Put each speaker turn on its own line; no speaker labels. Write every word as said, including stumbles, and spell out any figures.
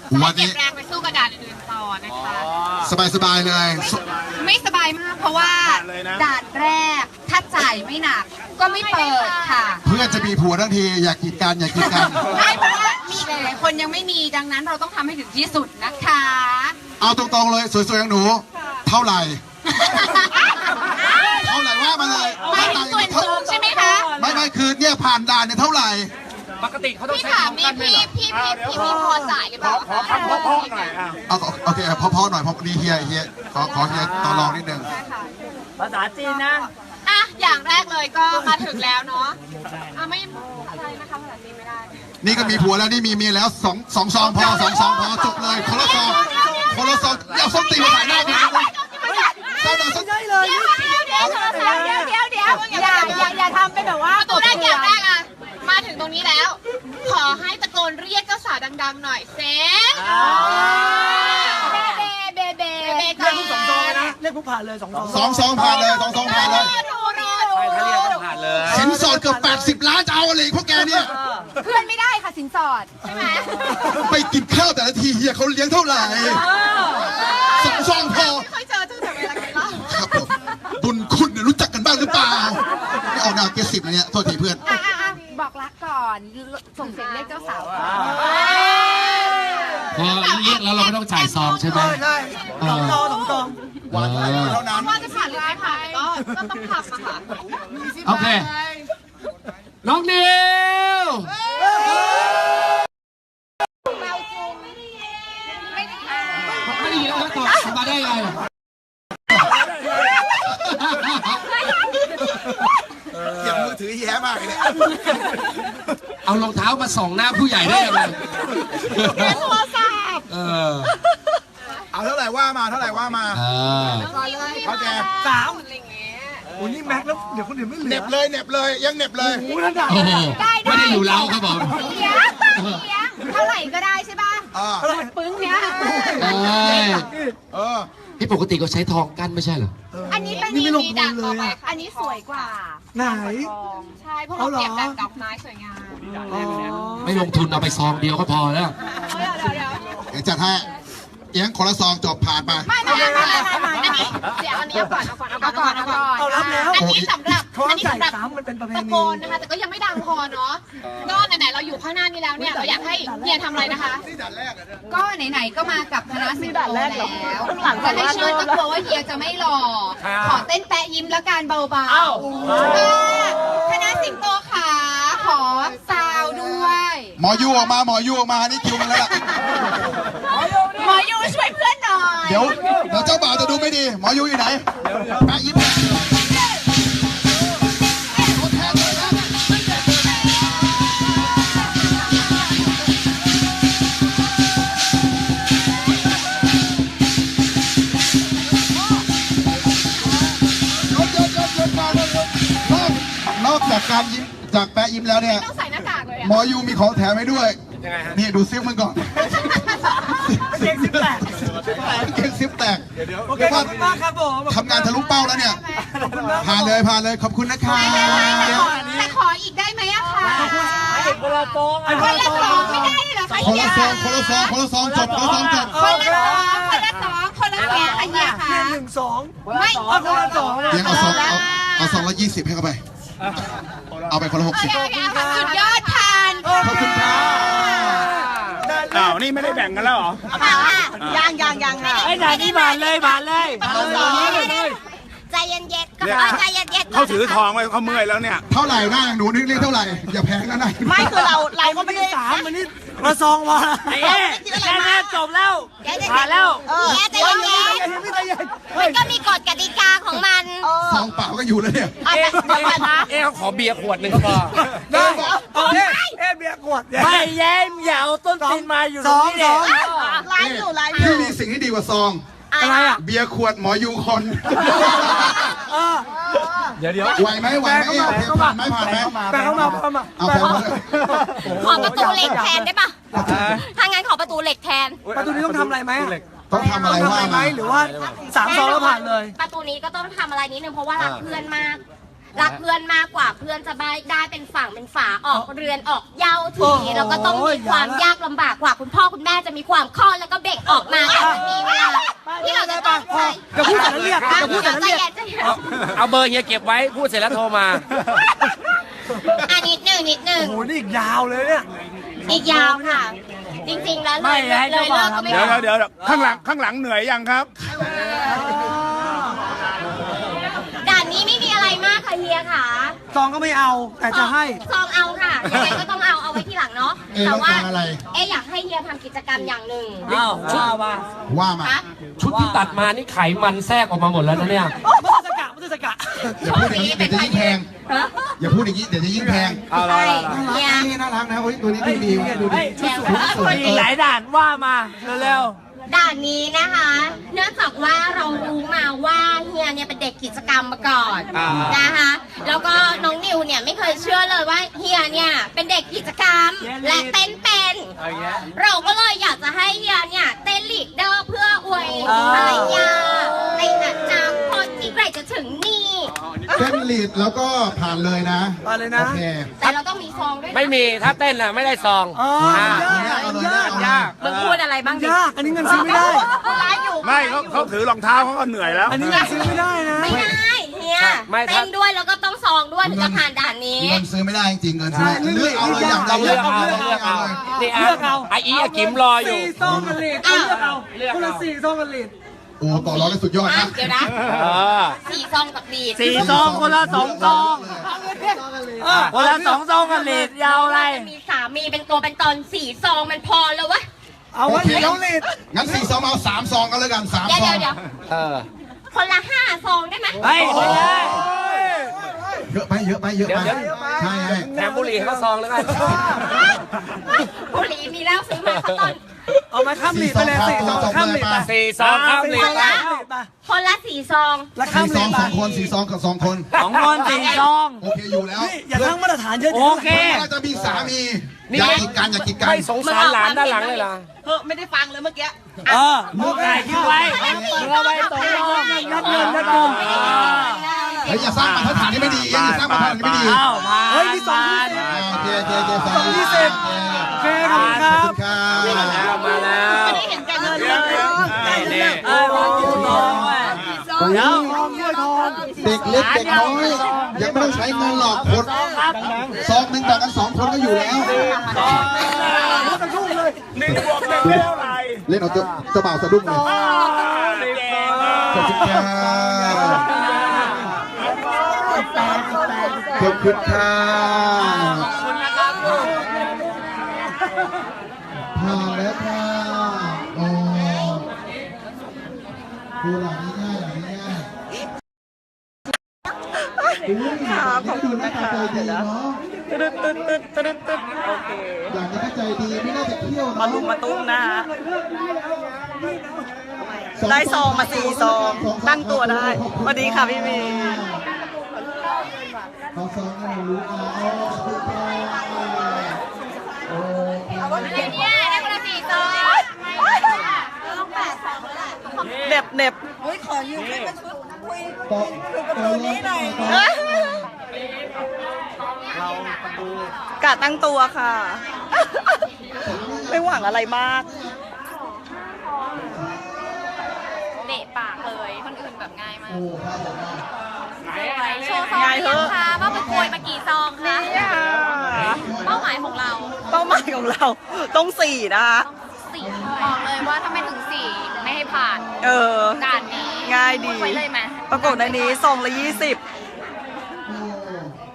วันนี้
เก็บแรงไปสู้กระดาษอื่นๆต่อนะคะ
สบายๆเลย
ไม่สบายมากเพราะว่าด่านแรกถ้าจ่ายไม่หนักก็ไม่เปิดค่ะ
เพื่อนจะมีผัวทั้งทีอยากกีดกันอยากกีดกัน
ไม่เพราะว่ามีหลายๆคนยังไม่มีดังนั้นเราต้องทำให้ถึงที่สุดนะคะ
เอาตรงๆเลยสวยๆอย่างหนู เท่าไหร่ เท่าไหร่ว่ามาเลย
ไม่ถึงส่วนสูงใช่ไหมคะ
ไม่ไม่คือเนี่ยผ่านด่านเนี่ยเท่าไหร่
ปกติเขาต้อง
พี่
ใช้
ถาม
ของ
มี
กันไหม
พี่
เหรอ
พี่พี่พี่พี่พอจ่ายหรือเปล่า
ขอคำเพาะๆหน่อยอ่ะ
เอาโอเคพอๆหน่อยพอดีเฮียเฮียขอขอเฮียต่อรองนิดนึง
ภาษาจีนนะ
อ่ะอย่างแรกเลยก็มาถึงแล้วเนาะอ่ะไม่อะไรนะคะภาษาจีนไม่ได้
นี่ก็มีผัวแล้วนี่มีเมียแล้วสองสองซองพอสองซองพอจบเลยคนละซองคนละซองเอาส้มตีมาถ่ายหน้าพี่เลยเศร้าหน่อยส้ม
เดี๋ยวเดี๋ยวเดี๋ยวเดี๋ยวเดี๋ยวเดี๋ยวอย่าอย่าอย่าทำเป็นแบบว่าประตูแรกอย่างแรกอ่ะมาถึงตรงนี้แล้ว ขอให้ตะโกนเรียกเจ้าสาวดังๆหน่อยเซเบเบเบเบเบ
เรียกผู้สองซองเลยนะเรียกผู้ผ่านเลยสองซอง
สองซองผ่านเลยสองซองผ่านเลย
ดูดู
ใช่ถ้าเรียกต้องผ่านเลย
สินสอดเกือบแปดสิบล้านจะเอาอะไรพวกแกเนี่ย
เพื่อนไม่ได้ค่ะสินสอดใช่ไหม
ไปกินข้าวแต่ละทีเฮียเขาเลี้ยงเท่าไหร่สองซองพอ
ไม่เคยเจอเจอแต่เวลาไงเล่า
ครับผมบุญคุณเนี่ยรู้จักกันบ้างหรือเปล่าไม่ออกแนวเกสิบนะเนี่ยโทษทีเพื่อน
อ่ะอ่ะอ่ะบอกรักก่อนส่งเสียงเรียกเจ้าสาวก่อน
พอเรียกแล้วเราไม่ต้องจ่ายซองใช่ไหม
ใช่สองซองสองซอง
เออ
เท่านั้น
ว่าจะผ่านหรือไม่ผ่านก็ก็ต้องทำอะค่ะ
โอเค น้องนิว
เราจูงไม่ได้ไม่ได้
ไม่ได้ยินแล้วตอบมาได้ไง
เสียงมือถือแย่มากเลยเนี่ย
เอารองเท้ามาส่องหน้าผู้ใหญ่ได้ยังไง
เป็นโทรศัพท์
เออ
เอาเท่าไหร่ว่ามาเท่าไหร่ว่ามา
เออ
เขาแก
สาม
อะไรอย่างเงี้ย
โอ้นี่แม็กแล้วเดี๋ยวคนอื่นไม่เหลื
เหน็
อบ
เลยเหน็บเลยยังเหน็บเลย
โอ้นั่นด่า
โอ้โหไม่ได้อยู่เล้าครับผม
เลี้ยงเลี้ยงเท่าไหร่ก็ได้ใช่ป่ะ
อ่า
ปึ้งเนี้ย
เอ้ย
เออ
พี่ปกติก็ใช้ทองกั้นไม่ใช่เหรอ
อันนี้เป็น
นี่ไม่ลง
มี
ทุ
ด่าน
นเล
ต่อย ไป
อ่ะ
อันนี้สวยกว่า
ไหน
ใช่เพราะเราเก็บแบบดอกไม้สวยงาม
อ๋อ
ไม่ลงทุนเอาไปซองเดียวก็พอแล้ว
เดี๋ยวเดี๋ยวเดี๋ยว
เดี๋ยวจัดให้เอียงคนละซองจบผ่านไป
ไม่ไม่ไม่ไม่ไม่อันนี้เดี๋ยวอันนี้เอาก่อนเอาก่อนเอาก่อนเอาก่อน
เอารับแล้ว
อันนี้สำหรับ
เขา
อันนี้
จ่าย
สำหรับ
สามมันเป็นประเพ
ตะ
ณี
โกนนะคะแต่ก็ยังไม่ดังพอเนาะก็ไหนๆเราอยู่ข้างหน้านี้แล้วเนี่ยเราอยากให้เฮียทำอะไรนะคะ ก็ไหนๆก็มากับคณะสิงโตแล้วจะให้เชิญก็กลัวว่าเฮียจะไม่หล่อขอเต้นแปะยิ้มแล้วกันเบาๆคณะสิงโตขาขอซาวด้วย
หมอยูออกมาหมอยูออกมานี่คิวมันแล้วล่ะ
หมอยูช่วยเพื่อนหน่อย
เดี๋ยวเดี๋ยวเจ้าบ่าวจะดูไม่ดี หมอยูอยู่ไหนแปะยิ้มตัวแทนเลยนะยกยกยกยกมายกยกนอกนอกจากการยิ้มจากแปะยิ้มแล้วเนี่ย
ต้องใส่หน้ากากเลย
หมอยูมีของแถมให้ด้วย
ยังไงฮะ
นี่ดูซิปมันก่อน
เก่งสิบแปด
เก่งซิปแตก
โอเคขอบคุณมากครับผม
ทำงานทะลุเป้าแล้วเนี่ย
ขอบคุณมาก
ผ่านเลยผ่านเลยขอบคุณนะคะ
แต่ขออีกได้ไหมอะคะ
คนละซองไอ้
คนละสองไม่ได้เหรอคะ
คนละซองคนละซองคนละซองจบคนละซองจบ
คนละสองคนละสองคนละสองค่ะเฮียค่ะ
เพียงหนึ่งสอง
ไม่
เอาคนละสอง
เลี้ยงเอาซองเอาเอาซองละยี่สิบให้เข้าไป เอาไปคนละหกสิบ
สุดยอดผ่าน
ขอบคุณค่ะ
อ้าวนี่ไม่ได้แบ่งกันแล้วเหรอ
ยังยังยังค่ะ
ไอ้ไหนนี่บานเลยบานเลยบานเลย
ใจเย็นๆก็
เนี่ย
ใจเย็นๆ
เขาถือทองไว้เขาเมื่อยแล้วเนี่ย
เท่าไหร่หน้าหนูนึกเรียกเท่าไหร่อย่าแพงนะนาย
ไม่คือเราเราก็
ไม่
ไม่
ได้
ได้
สามมันนี่ละซองวะไอ้แค่นี้จบแล้วผ่านแล้ว
เออใจเย็น
พี่ใจเย็น
ๆมันก็มีกฎกติกาของมัน
ซองเปล่าก็อยู่แล้วเนี่ย
เอ๊ะเดี๋ยวก่อนนะ
เอ๊ะขอเบียร์ขวดหนึ่งก็พอ
ได้โอเคเอ๊ะเบียร์ขวดไม่แย้มอย่าเอาต้นตีนมาอยู่ตรงนี้เนี่ย
ไลฟ์อยู่ไลฟ์อ
พี่
ยู่
มีสิ่งที่ดีกว่าซอง
อะไรอ่ะ
เบียร์ขวดหมอยูคน
เดี๋ยวเดี๋ยว
ไหวไหมไหวไหมเอ๊ะโอเคผ่านไหมผ่านไหม
แปลเข้ามาเข้ามา
เอาแพงมาเลย
ขอประตูเหล็กแทนได้ปะถ้างั้นขอประตูเหล็กแทน
ประตูนี้ต้องทำอะไรไหม
ต้องทำอะไร
ต้อง
ว่า
ทำอะไรไหม
มา
หรือว่าสามซองแล้วผ่านเลย
ประตูนี้ก็ต้องทำอะไรนิดนึงเพราะว่ารักเพื่อนมากรักเพื่อนมากกว่าเพื่อนจะได้ได้เป็นฝั่งเป็นฝาออกเรือนออกเย้าทีแล้วก็ต้องมีความยากลำบากกว่าคุณพ่อคุณแม่จะมีความคลอดแล้วก็เบ่งออกมาแต่มันมีเวลาที่เราจะต้องใช้
จะพูดแต่ละเรียกจะพูดแต่ละเรียก
เอาเบอร์เฮียเก็บไว้พูดเสร็จแล้วโทรมา
อันนิดหนึ่งนิดหนึ่ง
โอ้โหนี่อีกยาวเลยเนี่ย
อีกยาวค่ะ จริงๆแล้วเลยเลยเลิกก็ไม่
เดี๋ยว
ได้
เดี๋ยวเดี๋ยวข้างหลังข้างหลังเหนื่อยยังครับ
ด่านนี้ไม่มีอะไรมากค่ะเฮียค่ะ
ซองก็ไม่เอาแต่จะให้
ซองเอาค่ะยังไงก็ต้องเอาเอาไว้ที่หลังเนาะ
เอ๊ะ
แต่
ต้อง
ว่า
การอะไร
เอ๊ะอยากให้เฮียทำกิจกรรมอย่างหนึ่ง
อ้าวว่ามา
ว่ามา
คะ
ชุดที่ตัดมานี่ไขมันแทรกออกมาหมดแล้วนะเนี่ย
มุตสกะมุตสกะ
อย่าพูดอย่างนี้เดี๋ยวจะยิ่งแพง
ฮะ
อย่าพูดอย่างนี้เดี๋ยวจะยิ่งแพง
ใช่เฮีย
นี่น่ารักนะโอ้ยตัวนี้ดูดีดูดี
เดี๋ยว
สวย
มีหลายด่านว่ามาเร็ว
ด่านนี้นะคะ เนื่องจากว่าเรารู้มาว่าเฮียเนี่ยเป็นเด็กกิจกรรมมาก่อนนะคะ แล้วก็น้องนิวเนี่ยไม่เคยเชื่อเลยว่าเฮียเนี่ยเป็นเด็กกิจกรรมและเต้นเป็น เราก็เลยอยากจะให้เฮียเนี่ยเต้นลีดเดอร์เพื่ออวยภรรยาในอนาคตที่ใกล้จะถึงนี่
เต้นลีดแล้วก็ผ่านเลยนะ
มาเลยนะ
โอเค
แต่เราต้องมีซองด้วยนะ
ไม่มีถ้าเต้นน่ะไม่ได้ซอง
อ๋อ
อ่า
ยาก
เอาเลย
ยาก
เอาเลย
ยาก
มึงพูดอะไรบ้างดิ
ยากอันนี้เงินซื้อไม่ได้
ร้ายอยู่
ไม่เขาเขาถือรองเท้าเขาก็เหนื่อยแล้ว
อันนี้เงินซื้อไม่ได้นะ
ไม่ได้เฮีย
ไม่ถ้า
เต้นด้วยแล้วก็ต้องซองด้วยถึงจะผ่านด่านนี้
เงินซื้อไม่ได้จริงๆเงินซื้อไม่ได้เลือกเอาเลยอย่างใด
ต้อง
อ
เลือก
ย่าง
เอา
หนึ่ง
ต้องเลือกเอา
เลย
นี่
เลือกเอา
ไออีอากิมรออยู่
สี่ซองกันลีดเลือกเอาคนละสี่ซองกันลีด
โอ้ต่อร้องกันสุดยอด
อ่ะ
นะ
เดี๋ยวนะ
เออ
สี่ซองกับลีด
สี่ซองคนละสองซองคนละสองซองกันลีดยาวอะไร
มีสามีเป็นตัวเป็นตนสี่ซองมันพอแล้ววะ
เอาไว้เดี๋ยวลีด
งั้นสี่ซองเอาสามซองกันเลยกันสาม
เดี๋ยว
ซอ
เดี๋ย
ง
วเดี๋ยว
เออ
คนละห้าซองได้ไหม
เฮ้ยไม่ได้
เยอะไปเยอะไปเยอะไป
เดี๋ยวเดี๋ยว
ใช่ใช่
แถมบุหรี่ให้เขาซองแล้วกัน
บุหรี่มีแล้วซื้อมาสักต้น
เอามาข้ามลีดไปเลยสี่ซองข้ามลีดไป
สี่ซองข้ามลีด
สี่ซองข้ามลีดไป
คนละสี่ซอง
แล้วข้าม
สี่ซ
ลี
อง
ดไป
สองคนสี่ซองกับสองคน
สองคนสี่ซอง
โอเคอยู่แล้ว
นี่อย่าตั้งมาตรฐานเยอะ
โอเค
ถ้าจะมีสามีอย่ากีดกันอย่ากีดกัน
ไม่สงสารหลานด้านหลังเลยล่ะ
เออมึงถ่ายคลิปไว้มึงเอาไว้ตรงรอบยัดเงินยัดกลม
เฮ้ยอย่าสร้างมาตรฐานที่ไม่ดีอย่าสร้างมาตรฐานที่ไม่ดี
อ้าวมาเฮ้ยนี่สองที่สิบ
อ่าโอเคโอเคโอเค
สองที่สิบ โอเคขอบคุณค
ข
รั
อบบ คุณครับ
มาแล้ว
ไม่ได้เห็นแกันเงินเลย
นี่
เอ้ยวางกี่ซองเว้ยเดี๋ยวทองด้วยทอง
เด็กเล็กเด็กน้อยยังไม่ต้องใช้เงินหรอกคนซองหนึ่งแบ่งกันสองคนก็อยู่แล้ว
หนึ่งบวกหนึ่งได้เท่าไหร่
เล่นเอาเจ้าเจ้าบ่าวสะดุ้งเลย
เก่ง
ขอบคุณครับขอบคุณครับผ่านแล้วค่ะโอ้ดูหลังนี้ง่ายหลังนี้ง่ายค่ะขอบคุณนะคะใจดีเนาะตึ๊ดตึ๊ดตึ๊ดตึ๊ดตึ๊ดโอเคอย่างนี้ก็ใจดีไม่น่าจะเที่ยวมาลุมมาตุ้มนะฮะได้ซองมาสี่ซองตั้งตัวได้สวัสดีค่ะพี่มีเอาซองให้รู้อ่ะเอา
เนี่ยได้คนละสี่ซองต้องแปดซองแล้วแหละ
เน็บเน็บ
ต่อตัวนี้หน่อย
กะตั้งตัวค่ะ ไม่หวังอะไรมาก
เดะปากเลยคนอื่นแบบง่ายมาก
โอ้ครับผม
โชว์ซอง
ง่าย
เรี
เถ
ย
อะ
งค่ะว่าไปโกยมากี่ซองคะเป้าหมายของเรา
เป้าหมายของเราต้องสี่นะคะ
สี่บอกเลยว่าถ้าไม่ถึงสี่ไม่ให้ผ่าน
เออ
ด่านนี้
ง่ายดี
พูไปเลยไหม
ประกบในนี้ซองละยี่สิบ
โอ้